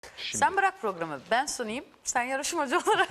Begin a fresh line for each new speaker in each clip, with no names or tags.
Sen bırak programı. Ben sunayım. Sen yarışmacı olarak.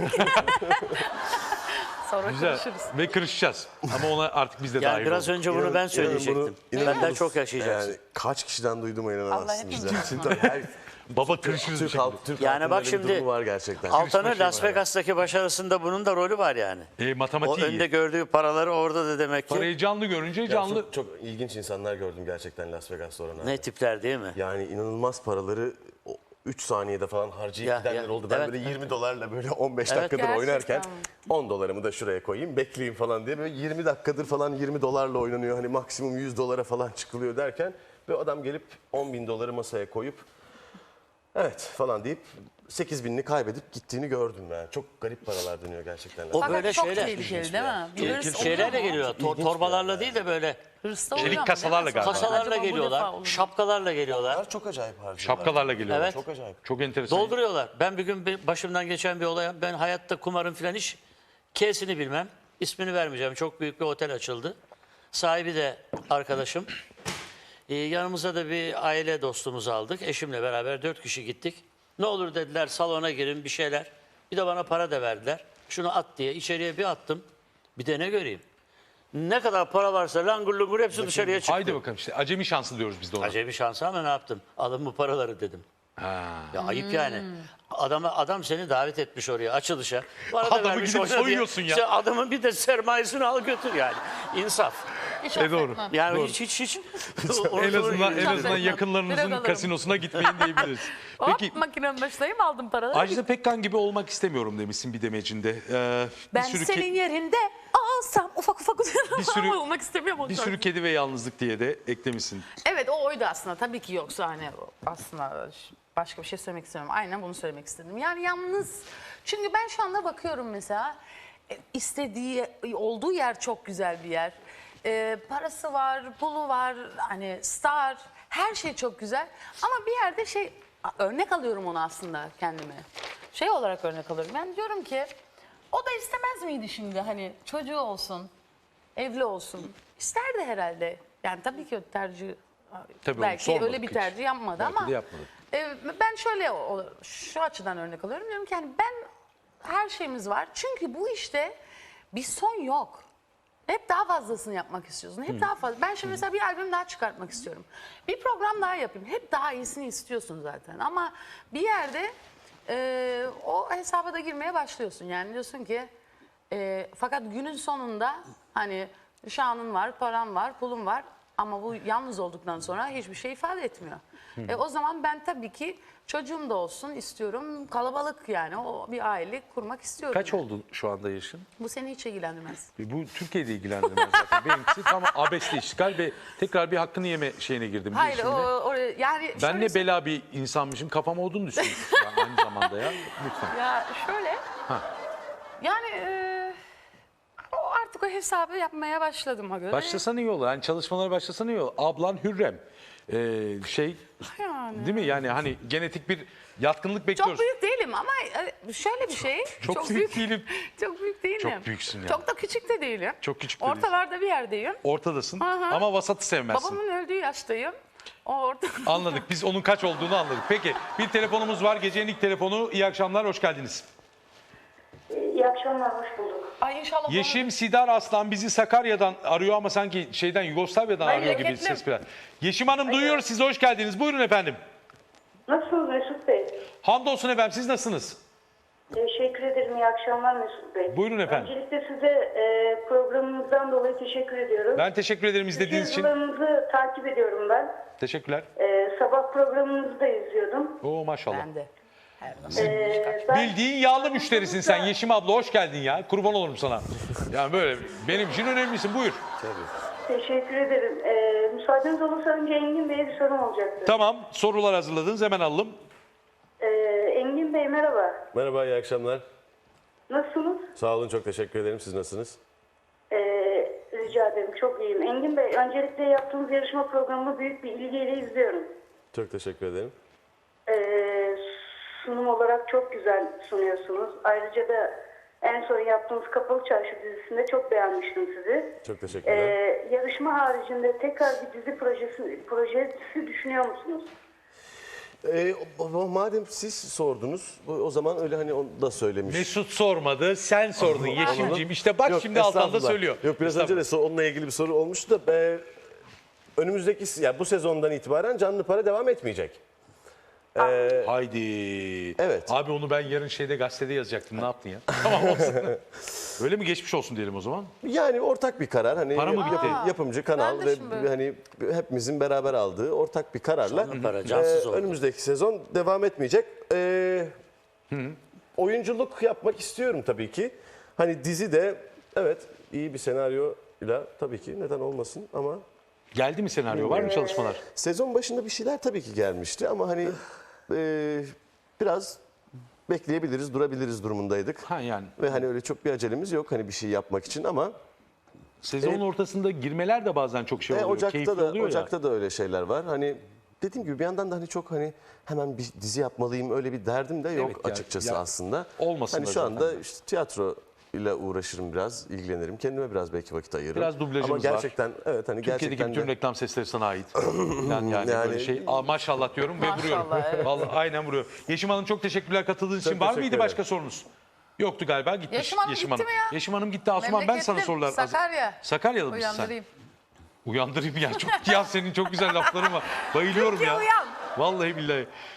Sonra
Güzel.
konuşuruz.
Ve kırışacağız. Ama ona artık biz de
Yani
dahil
biraz
olduk.
önce bunu ben söyleyecektim. Benden çok yaşayacaksın.
Yani kaç kişiden duyduğuma
Allah
inanamazsınız.
hepimiz
Yani. Her
Baba kırışırız bir
Türk,
şekilde.
Türk
Yani
halkında
bak
öyle bir
şimdi
durumu var gerçekten.
Altan'ın
Şey
Las
var.
Vegas'taki başarısında bunun da rolü var yani. O
Matematiği
önde
iyi.
gördüğü paraları orada da demek ki.
Parayı canlı görünce
Ya
canlı.
çok ilginç insanlar gördüm gerçekten Las Vegas'ta oranlarda.
Ne tipler değil mi?
Yani inanılmaz paraları 3 saniyede falan harcayıp
Ya,
gidenler
ya.
oldu. Ben
Evet,
böyle
evet.
20 dolarla böyle 15 dakikadır
Gerçekten
oynarken
mi?
10 dolarımı da şuraya koyayım bekleyeyim falan diye böyle 20 dakikadır falan 20 dolarla oynanıyor. Hani maksimum 100 dolara falan çıkılıyor derken ve adam gelip 10 bin doları masaya koyup evet falan deyip 8 binini kaybedip gittiğini gördüm ben. Çok garip paralar dönüyor gerçekten.
O
Fakat
böyle
çok
şeyler.
tehlikeli değil mi? Bir hırs oluyor
Şeylerle
mu?
geliyor.
İlginç bir
Torbalarla
yer
değil de böyle
Hırsla
Çelik
oluyor mu?
kasalarla
Değil mi?
galiba.
kasalarla
Acaba bu defa
geliyorlar,
olur mu?
şapkalarla geliyorlar.
Bunlar çok acayip harcıyorlar.
Şapkalarla geliyorlar.
Evet.
Çok acayip.
Çok enteresan.
Dolduruyorlar. Ben bir gün başımdan geçen bir olay. Ben hayatta kumarın filan hiç K'sini bilmem. İsmini vermeyeceğim. Çok büyük bir otel açıldı. Sahibi de arkadaşım. Yanımıza da bir aile dostumuzu aldık. Eşimle beraber 4 kişi gittik. Ne olur dediler salona girin bir şeyler. Bir de bana para da verdiler. Şunu at diye içeriye bir attım. Bir de ne göreyim. Ne kadar para varsa langur lungur hepsi dışarıya çıktı.
Haydi bakalım işte. Acemi şansı diyoruz biz de ona.
Acemi şansı ama ne yaptım? Alın bu paraları dedim.
Ha.
Ya ayıp yani. Adam seni davet etmiş oraya açılışa. Bana da
Adamı
vermiş
gidip
oyna diye.
soyuyorsun ya.
Sen adamın bir de sermayesini al götür yani. İnsaf.
Hiç
doğru.
affetmem.
Yani hiç.
En azından yakınlarınızın
Biraz
kasinosuna gitmeyin diyebiliriz. Peki
Hop makinenin başındayım aldım paraları.
Ajda Pekkan gibi olmak istemiyorum demişsin bir demecinde.
Ben senin yerinde olsam ufak
Bir sürü-
olmak istemiyorum.
Bir sürü kedi ve yalnızlık diye de eklemişsin.
Evet o oydu aslında. Tabii ki yoksa hani aslında başka bir şey söylemek istemiyorum. Aynen bunu söylemek istedim. Yani yalnız. Çünkü ben şu anda bakıyorum mesela istediği olduğu yer çok güzel bir yer. Parası var, pulu var, hani star, her şey çok güzel. Ama bir yerde örnek alıyorum onu aslında kendime. Şey olarak örnek alıyorum. Ben diyorum ki o da istemez miydi şimdi hani çocuğu olsun, evli olsun. İsterdi herhalde. Yani tabii ki o tercih
Tabii
belki
sormadık
öyle bir
hiç.
tercih yapmadı
Belki
ama
de yapmadı.
ben şöyle şu açıdan örnek alıyorum. Diyorum ki hani her şeyimiz var. Çünkü bu işte bir son yok. Hep daha fazlasını yapmak istiyorsun. Hep daha fazla. Ben şimdi mesela bir albüm daha çıkartmak istiyorum. Bir program daha yapayım. Hep daha iyisini istiyorsun zaten. Ama bir yerde o hesaba da girmeye başlıyorsun. Yani diyorsun ki fakat günün sonunda hani şanın var, paran var, pulun var. Ama bu yalnız olduktan sonra hiçbir şey ifade etmiyor. O zaman ben tabii ki çocuğum da olsun istiyorum. Kalabalık yani o bir aile kurmak istiyorum.
Kaç
yani.
oldu şu anda yaşın?
Bu seni hiç ilgilendirmez.
Bu Türkiye'de ilgilendirmez zaten. Benimkisi tam abesle işgal ve tekrar bir hakkını yeme şeyine girdim.
Hayır
girişimine.
yani
Ben
şöyle
ne bela bir insanmışım kafam olduğunu düşünüyorsun yani aynı zamanda ya. Lütfen.
Ya şöyle. Yani o artık o hesabı yapmaya başladım göre.
Başlasan iyi olur. Yani çalışmalara başlasan iyi olur. Ablan Hürrem.
Yani.
Değil mi? Yani hani genetik bir yatkınlık bekliyoruz.
Çok büyük değilim ama şöyle bir şey.
Çok büyük değilim.
Çok büyük değilim.
Çok büyüksün ya.
Çok da küçük de değilim.
Çok küçük de değilsin.
Ortalarda bir yerdeyim.
Ortadasın
Aha.
ama vasatı sevmezsin.
Babamın öldüğü yaştayım. O orta.
Anladık. Biz onun kaç olduğunu anladık. Peki bir telefonumuz var. Gecenin ilk telefonu. İyi akşamlar. Hoş geldiniz.
İyi akşamlar, hoş bulduk.
Ay inşallah.
Yeşim Sidar Aslan bizi Sakarya'dan arıyor ama sanki Yugoslavya'dan arıyor gibi
Memleketlim.
ses biraz. Yeşim Hanım duyuyoruz sizi. Hoş geldiniz. Buyurun efendim.
Nasılsınız Mesut Bey?
Hamdolsun efendim. Siz nasılsınız?
Teşekkür ederim, iyi akşamlar Mesut Bey.
Buyurun efendim.
Öncelikle size programınızdan dolayı teşekkür ediyorum.
Ben teşekkür ederim izlediğiniz için.
Yazılarınızı takip ediyorum ben.
Teşekkürler.
Sabah programınızı da izliyordum.
Oo maşallah.
Ben de.
Bildiğin yağlı müşterisin sen Yeşim abla. Hoş geldin ya. Kurban olurum sana. Yani böyle benim için önemlisin. Buyur.
Teşekkür ederim. Müsaadeniz olursa önce Engin Bey'e bir sorum olacaktı.
Tamam. Sorular hazırladınız. Hemen alalım.
Engin Bey merhaba.
Merhaba, iyi akşamlar.
Nasılsınız?
Sağ olun, çok teşekkür ederim. Siz nasılsınız?
Rica ederim, çok iyiyim. Engin Bey, öncelikle yaptığınız yarışma programını büyük bir ilgiyle izliyorum.
Çok teşekkür ederim.
Sunum olarak çok güzel sunuyorsunuz. Ayrıca da en son yaptığınız Kapalı Çarşı dizisinde çok beğenmiştim sizi.
Çok teşekkürler.
Yarışma haricinde tekrar bir dizi projesi düşünüyor musunuz?
Madem siz sordunuz o zaman öyle hani onu da söylemiş.
Mesut sormadı, sen sordun Yeşimciğim. İşte bak
Yok,
şimdi Altan da
estağfurullah.
söylüyor.
Yok biraz önce de onunla ilgili bir soru olmuştu da önümüzdeki bu sezondan itibaren canlı para devam etmeyecek.
Haydi.
Evet.
Abi onu ben yarın şeyde gazetede yazacaktım. Ne yaptın ya? Tamam olsun. Öyle mi, geçmiş olsun diyelim o zaman.
Yani ortak bir karar hani
Para mı bitti?
yapımcı kanal
Ben de
ve
şimdi-
hani hepimizin beraber aldığı ortak bir kararla
Canlı para, cansız oldu.
önümüzdeki sezon devam etmeyecek. Oyunculuk yapmak istiyorum tabii ki. Hani dizi de evet iyi bir senaryoyla tabii ki neden olmasın ama
Geldi mi senaryo? Var mı çalışmalar?
sezon başında bir şeyler tabii ki gelmişti ama hani biraz bekleyebiliriz, durabiliriz durumundaydık.
Ha yani.
Ve hani öyle çok bir acelemiz yok hani bir şey yapmak için ama
Sezonun ortasında girmeler de bazen çok şey oluyor.
Ocak'ta
keyifli
da
oluyor ya.
Ocak'ta da öyle şeyler var. Hani dediğim gibi bir yandan da hani çok hani hemen bir dizi yapmalıyım öyle bir derdim de yok
Evet ya,
açıkçası
ya
aslında.
olmasın
Hani
da
şu
zaten.
anda işte tiyatro ile uğraşırım biraz, ilgilenirim. Kendime biraz belki vakit ayırırım.
Biraz dublajımız
Ama
var.
gerçekten evet hani
Türkiye'deki
gerçekten
bütün
de
reklam sesleri sana ait. Yani
Yani-
böyle şey. Maşallah diyorum ve
Maşallah,
vuruyorum.
evet.
Vallahi aynen vuruyor. Yeşim Hanım çok teşekkürler katıldığınız için. Var
teşekkür
mıydı
ederim.
başka sorunuz? Yoktu galiba. Gitmiş
Yeşim Hanım gitti mi ya?
Yeşim Hanım gitti. Asuman ben sana
Memleketli
sorular.
Sakarya.
Sakarya'da mısın sen?
Uyandırayım.
Uyandırayım ya. Çok ya senin çok güzel lafların var. Bayılıyorum
Türkiye
ya.
uyan.
Vallahi billahi.